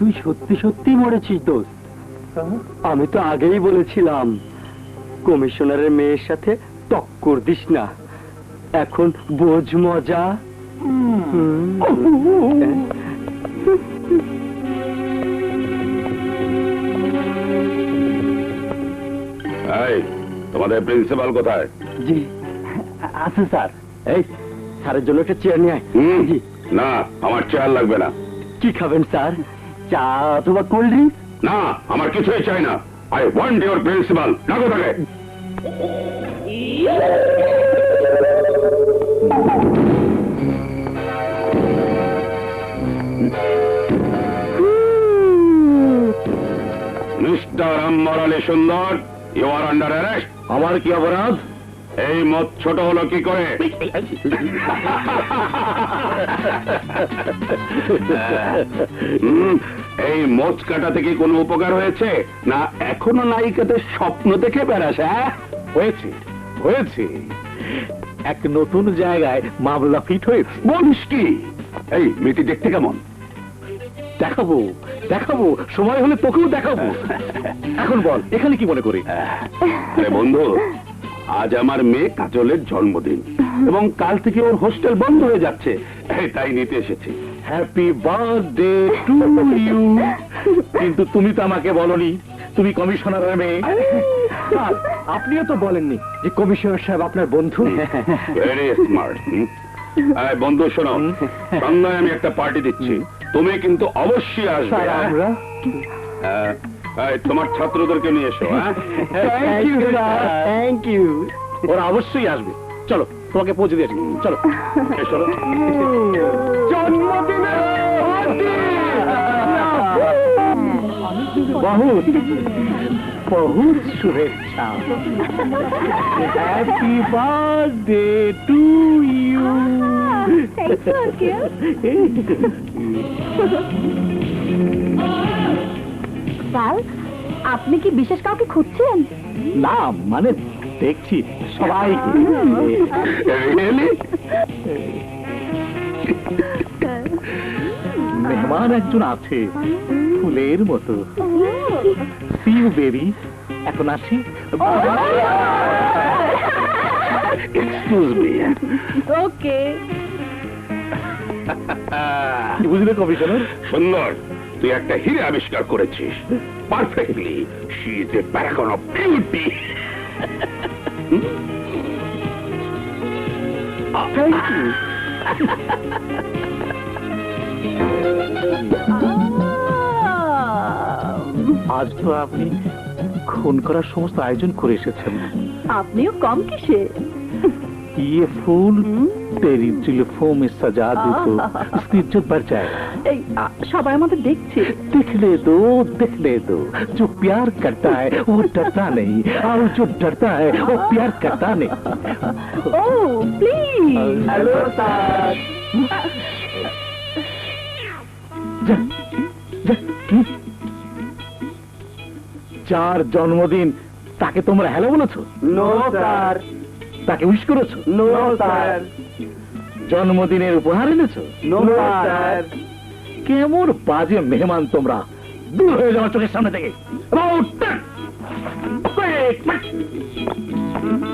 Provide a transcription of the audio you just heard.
তুই সত্যি সত্যি মরেছিস দোস্ত? আমি তো আগেই বলেছিলাম কমিশনারের মেয়ের সাথে টক্কর দিস না। এখন বোঝ মজা। তোমাদের প্রিন্সিপাল কোথায়? জি আছে স্যার। এই স্যারের জন্য একটা চেয়ার নিয়ে আয়। জি। না, আমার চেয়ার লাগবে না। কি খাবেন স্যার? চা অথবা কোল্ড ড্রিঙ্ক? না, আমার কিছুই চাই না। I want your principal. ডাকো তাকে। মিস্টার আম্বর আলী সুন্দর, ইউ আর আন্ডার অ্যারেস্ট। আমার কি অপরাধ? এই মদ ছোট হলো কি করে? এই মদ কাটা থেকে কোনো উপকার হয়েছে না এখনো নায়িকাদের স্বপ্ন দেখে বেড়াস? হয়েছে, হয়েছে। এক নতুন জায়গায় মামলা ফিট হয়েছে। বলিস কি? এই মেয়েটি দেখতে কেমন? দেখাবো দেখাবো, সময় হলে তোকেও দেখাবো। এখন বল, এখানে কি মনে করি? আরে বন্ধু, আজ আমার মেয়ে কাজলের জন্মদিন এবং কাল থেকে ওর হোস্টেল বন্ধ হয়ে যাচ্ছে, তাই নিতে এসেছি। Happy birthday to you. কিন্তু তুমি তো আমাকে বলনি তুমি কমিশনারের মেয়ে। আপনিও তো বলেননি যে কমিশনার সাহেব আপনার বন্ধু। Very smart. বন্ধু শোনো, সন্ধ্যায় আমি একটা পার্টি দিচ্ছি, তুমি কিন্তু অবশ্যই আসবে। আমরা তোমার ছাত্রদেরকে নিয়ে এসো। Thank you sir, thank you. ওরা অবশ্যই আসবে। চলো, তোমাকে পৌঁছে দিয়েছি। চলো এসো। বহুত বহুত শুভেচ্ছা। Happy birthday to you. Sir, আপনি কি বিশেষ কাউকে খুঁজছেন? না, মানে দেখছি সবাই। মেহমান একজন আছে ফুলের মতো। সি ইউ বেবি, এখন আসি। Excuse me. ওকে। বুঝলে কমিশনার? সুন্দর, তুই একটা হিরে আবিষ্কার করেছিস perfectly. She is a paragon of beauty. Thank you. আজ তো আপনি খুন করার সমস্ত আয়োজন করে এসেছেন। আপনিও কম কিসে? ये फूल तेरी जुल्फों में सजा दे तो उसकी इज्जत बढ़ जाएगा। এই সবাই আমাদের দেখছে। देखने दो जो प्यार करता है वो डरता नहीं और जो डरता है वो प्यार करता नहीं। Oh please. Hello sir. যার জন্মদিন তাকে তোমরা হ্যালো বলেছো? No sir. তাকে উইশ করেছো? No sir. জন্মদিনের উপহার এনেছো? No sir. কেমন বাজে মেহমান তোমরা! দূর হয়ে যাও চোখের সামনে থেকে।